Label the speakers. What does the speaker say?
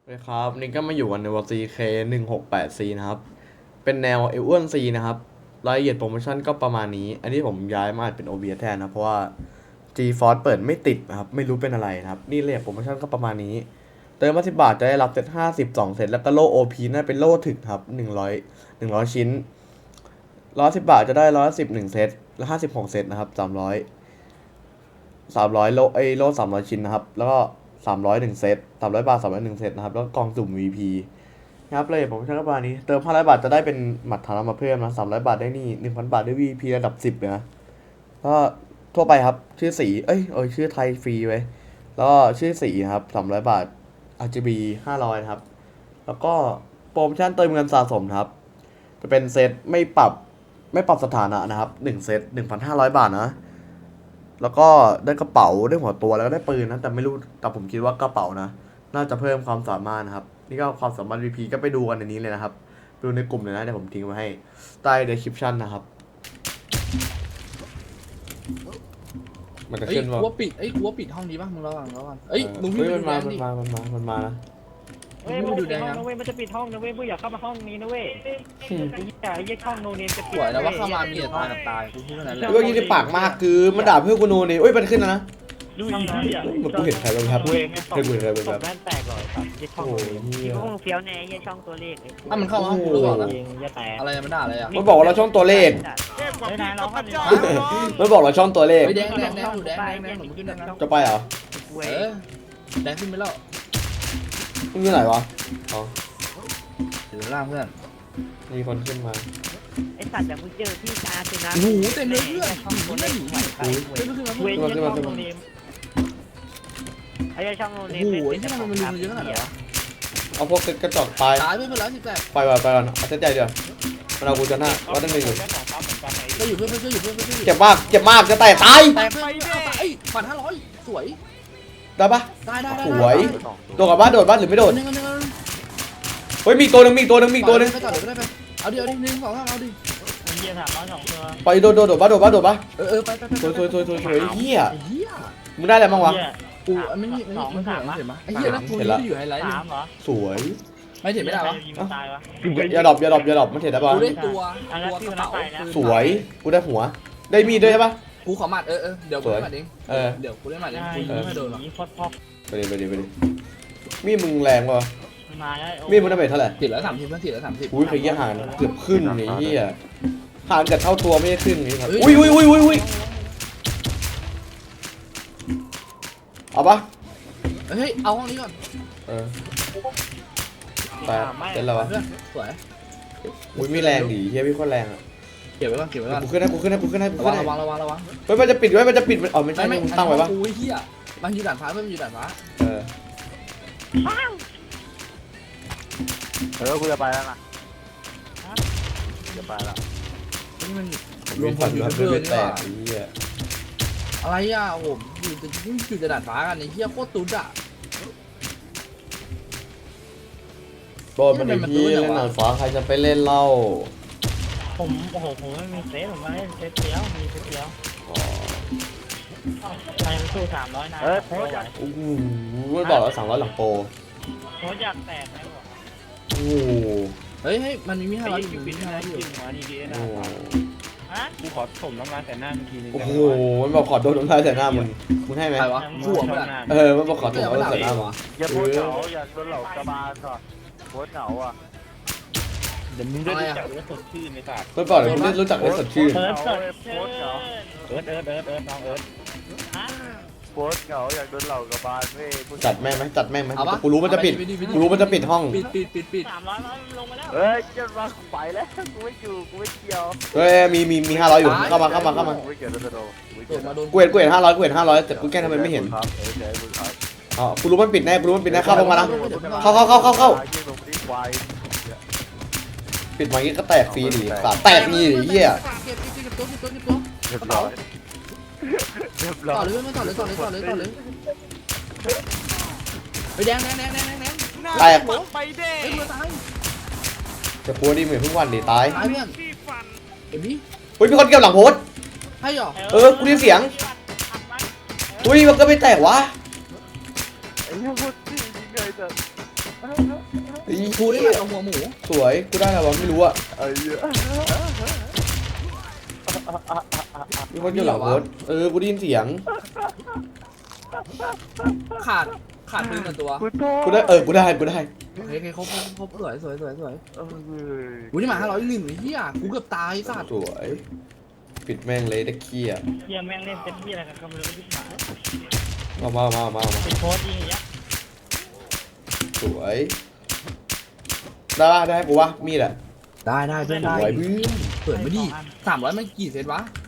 Speaker 1: ครับนี่ก็มาอยู่กันในวอซีเค168C นะครับเป็นแนวเอเวอร์ซีนะครับรายละเอียดโปรโมชั่นก็ประมาณนี้อันนี้ผมย้ายมาเป็น OBS แทนนะเพราะว่า GeForce เปิดไม่ติดนะครับไม่รู้เป็นอะไรนะครับนี่เลยโปรโมชั่นก็ประมาณนี้เติมมา10 บาทจะได้รับเซต52เซตแล้วก็โล่ OP น่าเป็นโล่ถึกครับ100ชิ้น110 บาทจะได้110 1เซตแล้ว56เซตนะครับ300โล่300ชิ้นนะครับแล้วก็301เซต300 บาท301เซตนะครับแล้วกล่องสุ่ม VP นะครับเลยผมใช้กระบานี้เติม500 บาทจะได้เป็นหมัดฐานมาเพิ่มนะ300 บาทได้นี่ 1,000 บาทได้ VP ระดับ10เลยนะก็ทั่วไปครับชื่อสีชื่อไทยฟรีไว้แล้วก็ชื่อสีครับ300 บาท RGB 500นะครับแล้วก็โปรโมชั่นเติมเงินสะสมครับจะเป็นเซตไม่ปรับสถานะนะครับ1เซต 1,500 บาทนะแล้วก็ได้กระเป๋าได้หัวตัวแล้วก็ได้ปืนนะแต่ไม่รู้แต่ผมคิดว่ากระเป๋านะน่าจะเพิ่มความสามารถนะครับนี่ก็ความสามารถ VP ก็ไปดูกันในนี้เลยนะครับดูในกลุ่มเลยนะเดี๋ยวผมทิ้งไว้ให้ใต้ description นะครับมันจะ
Speaker 2: เอ้ย
Speaker 1: ขึ้นว่า
Speaker 2: กูว่าปิดห้องนี้ป่ะมึงระวังเอ้ยมึงวิ่งไป
Speaker 1: มัน
Speaker 2: ดู
Speaker 1: มา
Speaker 2: แดงดิ
Speaker 1: มันมานะ
Speaker 3: เว้ยมันจะปิดห้องนะเว้ยมันจะปิดห้องนะเว้ยมึงอย่าเข้ามาห้องนี้นะเว้ยไอ้ยี่ช่องโนเนมจะ
Speaker 2: สวยนะว่าเข้ามามีแต่ตายกับตายกูพูดแค่นั้นแหละ
Speaker 1: เรื่องนี้ที่ปากมากคือมันด่าเพื่อนกูโนนี่มันขึ้นแล้วนะ
Speaker 3: ดูอีกทีอ่ะ
Speaker 1: เหมือนกูเห็นใครบ้างครับ
Speaker 3: เว้ยไง
Speaker 1: เคยเห็นใครบ้างครับ
Speaker 3: แม่นแตกเลยครับยี่ช่อง
Speaker 1: โอ้
Speaker 3: โน
Speaker 1: ย
Speaker 3: เนม
Speaker 1: เหี้ย
Speaker 4: พวกมึงเฟี้ยวแน่ยี่ช่องตัวเลข
Speaker 2: ถ้ามันเข้ามาห้องกูรู้ก่อนนะ
Speaker 3: เองอย่าแตก
Speaker 2: อะไรมันด่าอะไรอ่ะ
Speaker 1: มันบอกว่าเราช่องตัวเลข
Speaker 3: เฮ้ยนายร้องกันดิ
Speaker 1: มันบอกเราช่องตัวเลข
Speaker 2: เฮ้ยแดงอยู่แดงหนูขึ้นแดงนะ
Speaker 1: จะไปเหรอ
Speaker 4: เว้
Speaker 2: เอย อแดงขึ้นไปแล้ว
Speaker 1: มึงอยู่ไหนวะอ๋อ
Speaker 2: อยู่ล่างเพื่อน
Speaker 1: มีคนขึ้นมา
Speaker 4: ไอสัตว์อย่างมึงเจอพี่ชาสินะ
Speaker 2: หูเต็มเลยเพื่อน
Speaker 4: ช่องตัวเลขไหวไป
Speaker 2: ขึ้นมาขึ้นมา
Speaker 3: เว้ยยี่ช่องโนเนม
Speaker 4: ไอ้ช่องโนเน
Speaker 2: โอ้
Speaker 4: ม
Speaker 2: โหไอ้ที่มันเยอะขนาดไหนวะ
Speaker 1: เอาพวกกระจอกตาย
Speaker 2: ตายไปเพื่อนแล้วสิแต่
Speaker 1: ไปก่อนเอาเส้นใจเดียวมันเอากูจะหน้าว่าตั้งหนึ่งอยู่
Speaker 2: ก็อยู่เพื่อนอยู่เพื่อน
Speaker 1: เจ็บมากจะแตกตาย
Speaker 2: แต่เพื่อนไอ้ผ่าน500สวย
Speaker 1: ได้ปะ
Speaker 2: ได้
Speaker 1: สวยตัวกับบ้านโดดบ้านหรือไม่โดด
Speaker 2: นึง
Speaker 1: เฮ้ยมีตัวหนึ่ง
Speaker 2: ไปต่อเดี๋ยวได้ไปเอาดิ1 2 3เอาดิ
Speaker 3: เยี่ยถามร้อยสองตัว
Speaker 1: ไปโดดบ้านปะ
Speaker 2: ไป
Speaker 1: สวยเฮีย
Speaker 2: ไอ้เหี้ย
Speaker 1: มึงได้อะไรบ้างวะ
Speaker 2: กูไม่เห็นมั้ยไอ้เหี้ยแล้วกูนี่อยู่ไฮไลท์
Speaker 3: สามเหรอ
Speaker 1: สวย
Speaker 2: ไม่เห็นไม่ได้วะ
Speaker 3: ยิงมันตายวะ
Speaker 1: อย่าดรอปมันเห็นได้ปะ
Speaker 2: กูได้ตัว
Speaker 3: อันนั้นที่
Speaker 2: ก
Speaker 3: มั
Speaker 2: ระ
Speaker 3: น
Speaker 2: เป๋า
Speaker 3: ไปนะ
Speaker 1: สวยกูได้หัวได้มีดด้วยใช่ปะ
Speaker 2: กูขอหมัดเดี๋ยวกูเล่นหมัดเองเดี๋ยวกูเล่นหมัดเองกูยิงไม่โดนหรอก
Speaker 3: พอดพอ
Speaker 1: ไปดิมีดมึงแรงปะ
Speaker 3: มาแล้ว
Speaker 1: มีดมึงได้เท่าไหร่
Speaker 2: ติดแล้ว30เพื่อนติดแล้ว30
Speaker 1: อุ้ยเคยยี่ห่างเกือบขึ้นนี่เฮียห่างกับเท่าตัวไม่ได้ขึ้นนี่ครับอุ้ยเอาปะ
Speaker 2: เฮ้ยเอาห้องนี้ก่อน
Speaker 1: แต่เป็นไรวะ
Speaker 2: เพื่อนสวย
Speaker 1: อุ้ยมีแรงดีเฮียพี่โคตรแรงอ่ะ
Speaker 2: เก็บไว้ก่อน
Speaker 1: กูขึ้นให้
Speaker 2: ระวัง
Speaker 1: เฮ้ยมันจะปิดอ๋อไม่ใช่มึงตั้งไว้ปะ
Speaker 2: กูเหี้ยมันอยู่ด่านฟ้าเพื่อนมันอยู่ด่านฟ้า
Speaker 3: กูจะไปแล้วนะจะไปแล้ว
Speaker 2: นี่มัน
Speaker 1: รวมฝันแล้วไม่แตกเฮีย
Speaker 2: อะไรอ่ะโอ้โหอยู่ด่านฟ้ากันไอ้เหี้ยโคตรตุ๊ดอ่ะ
Speaker 1: โดนมันที่เล่นหนังฟ้าใครจะไปเล่นเล่า
Speaker 3: ผมไม่มีเซตผมมาเล่นเซตเดียวมีเซตเดียวใครมันสู้300นะโค้ชอยาก
Speaker 1: โอ้โหไม่บอกแล้ว300หลังโปร
Speaker 3: โค้ชอยากแตกไหมบอก
Speaker 1: โอ้โห
Speaker 2: เฮ้ยมันมี500
Speaker 3: ไอ้
Speaker 2: อยู่
Speaker 3: ปิด
Speaker 2: มี
Speaker 3: นะ
Speaker 2: 500อยู่
Speaker 3: กินหัวนี่ดี
Speaker 1: โอ้
Speaker 3: นะ
Speaker 1: โห
Speaker 3: ฮะกูขอถมน้ำลายแต่หน้าทีนึง
Speaker 1: โอ้โหมันบอกขอโดนน้ำลายใส่หน้ามึงให้ไหม
Speaker 2: ใครวะสู้เพื่อน
Speaker 1: มันบอกขอโดนน้ำลายใส่หน้ามึง
Speaker 3: อย่าโพสเหงาอย่าโดนเหล่ากระบาลก่อนโพสเหงาอ่ะเดี๋ยวมึงได้รู้จักว่าสดชื่นในศาสตร์
Speaker 1: เมื่อก่อนผมรู้จักได้สดชื่น
Speaker 3: เอิร์ธน้องเอิร์ธโพสเหงาอยากโดนเหล่ากระบาลเว้ย
Speaker 1: จัดแม่งไหมกูรู้มันจะปิดห้อง
Speaker 2: ปิด
Speaker 3: 300ลงมาแล้วเฮ้ยจะมาไปแล้วกูไม่อยู่กูไม่เกี่ยว
Speaker 1: เฮ้ยมี500อยู่เข้ามา
Speaker 3: กูไม่เกี่ยวโดน
Speaker 2: โดนมาโดน
Speaker 1: กูเห็น500แต่กูแก้ทำไมไม่เห็น
Speaker 3: ครับเดี๋ยวมึงครับ
Speaker 1: อ๋อกูรู้มันปิดแน่เข้ามานะเข้าปิดมางี้ก็แตกฟรีดิแตกนี่ดิเหี้ย
Speaker 2: เก็บตัว
Speaker 3: เรียบร้อยเรียบร้
Speaker 2: ต่
Speaker 3: อ
Speaker 2: อย เลยไม่ต่อเลยไปแดง
Speaker 1: แตก
Speaker 2: เฮ้ยมือตาย
Speaker 1: จะกลัวดิเหมือนเพิ่งวันดิตาย
Speaker 2: ตายเพื่อนเอ็มบี้
Speaker 1: เฮ้ยมีคนเก็บหลังโพส
Speaker 2: ให้หรอ
Speaker 1: กูได้เสียงอุ้ยมันก็ไม่แตกวะ
Speaker 3: ไอ้เหี้ยพูดจริงไงแต่
Speaker 1: เฮ้ย
Speaker 2: กูได้มาตรงหัวหมู
Speaker 1: สวยกูได้แล้ววะไม่รู้อะ
Speaker 3: ไอ้เหี้ย
Speaker 1: มีคนอยู่หลังรถกูได้ยินเสียง
Speaker 2: ขาดปืนหนึ่งตัว
Speaker 3: กูโทษ
Speaker 1: กูได้กูได้
Speaker 2: โอเคครบสวย
Speaker 3: เออ
Speaker 2: กูนี่มา501ไอ้เหี้ยกูเกือบตายไอ้สัตว์
Speaker 1: สวยปิดแม่งเลยได้เคลียร์
Speaker 4: เฮียแม่งเล่นเต็มที่อะไรกันก็ไม่รู้ที่หาย
Speaker 1: มา
Speaker 4: เป็นโค้ดยิงอย่างเงี้ย
Speaker 1: สวยได้กูวะมีดอะ
Speaker 2: ได้เพื่อนได้
Speaker 1: สวยเพื่อน
Speaker 2: เปิดไม่ดี300มันกี่เซตวะ